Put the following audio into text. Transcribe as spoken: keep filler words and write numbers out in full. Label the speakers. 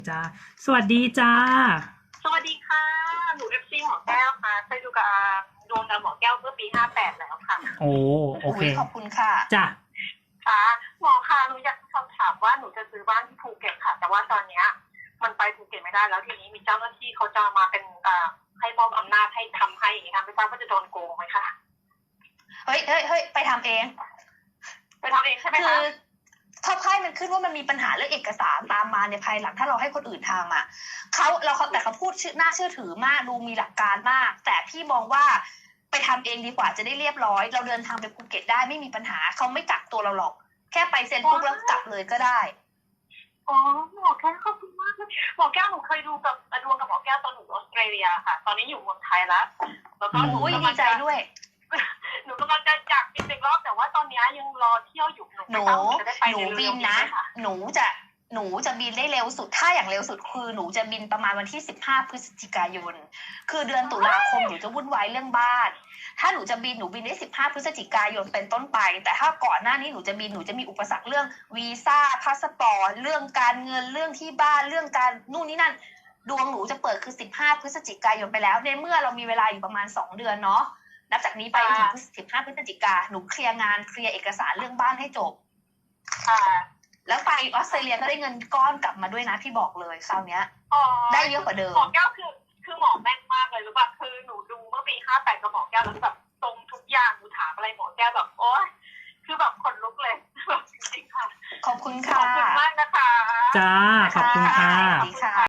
Speaker 1: จ้าสวัสดีจ้า
Speaker 2: สวัสดีค่ะหนูเอฟซีหมอแก้วค่ะเคยดูกับดวงกับหมอแก้วเมื่อปีห้าแปดแล้วค่ะ
Speaker 1: โอ้โอเค
Speaker 3: ขอบคุณค่ะ
Speaker 1: จ้า
Speaker 2: ค่ะหมอค่ะหนูอยากสอบถามว่าหนูจะซื้อบ้านที่ภูเก็ตค่ะแต่ว่าตอนเนี้ยมันไปภูเก็ตไม่ได้แล้วทีนี้มีเจ้าหน้าที่เขาจะมาเป็นอ่าให้มอบอำนาจให้ทำให้อย่างนี้ค่ะไม่ทราบว่าจะโดนโกงไหมคะ
Speaker 3: เฮ้ยเฮ้ยเฮ้ยไปทำเอง
Speaker 2: ไปทำเองใช่ไหมคะ
Speaker 3: คือถ้าไพ่มันขึ้นว่ามันมีปัญหาเรื่องเอกสารตามมาในภายหลังถ้าเราให้คนอื่นทำอ่ะเขาเราแต่เขาพูดชื่อน่าเชื่อถือมากดูมีหลักการมากแต่พี่มองว่าไปทำเองดีกว่าจะได้เรียบร้อยเราเดินทางไปภูเก็ตได้ไม่มีปัญหาเขาไม่กักตัวเราหรอกแค่ไปเซ็นปุ๊บแล้วกลับเลยก็ได้
Speaker 2: อ๋อหมอแก้วขอบคุณมากเลยหมอแก้วหนูเคยดูกับดวงกับหมอแก้วตอนหนูออสเตรเลียค่ะตอนนี้อยู่เมืองไทยแล้วแล้วก็หนู
Speaker 3: ดีใจด้วย
Speaker 2: หนูกำลังจะอยากบินอีกรอบแต่ว่าตอนนี้ยังรอเที่ยวอยู่
Speaker 3: หนูหนูบินนะหนูจะหนูจะบินได้เร็วสุดถ้าอย่างเร็วสุดคือหนูจะบินประมาณวันที่สิบห้าพฤศจิกายนคือเดือนตุลาคมหนูจะวุ่นวายเรื่องบ้านถ้าหนูจะบินหนูบินได้สิบห้าพฤศจิกายนเป็นต้นไปแต่ถ้าก่อนหน้านี้หนูจะบินหนูจะมีอุปสรรคเรื่องวีซ่าพาสปอร์ตเรื่องการเงินเรื่องที่บ้านเรื่องการนู่นนี่นั่นดวงหนูจะเปิดคือสิบห้าพฤศจิกายนไปแล้วในเมื่อเรามีเวลาอยู่ประมาณสองเดือนเนาะนับจากนี้ไปถึงสิบห้าพฤศจิกาหนูเคลียร์งานเคลียร์เอกสารเรื่องบ้านให้จบแล้วไปออสเตรเลียก็ได้เงินก้อนกลับมาด้วยนะพี่บอกเลยคราวเนี้ยได้เยอะกว่าเดิม
Speaker 2: หมอแก้วคือคือหมอแม่นมากเลยรู้ป่ะคือหนูดูเมื่อปีห้าแปดกับหมอแก้วแล้วแบบตรงทุกอย่างหนูถามอะไรหมอแก้วแบบโอ๊ยคือแบบขนลุกเลยแบบจริงๆค่ะ
Speaker 3: ขอบคุณค่ะ
Speaker 2: ขอบคุณมากนะคะ
Speaker 1: จ้าขอบคุณค่ะ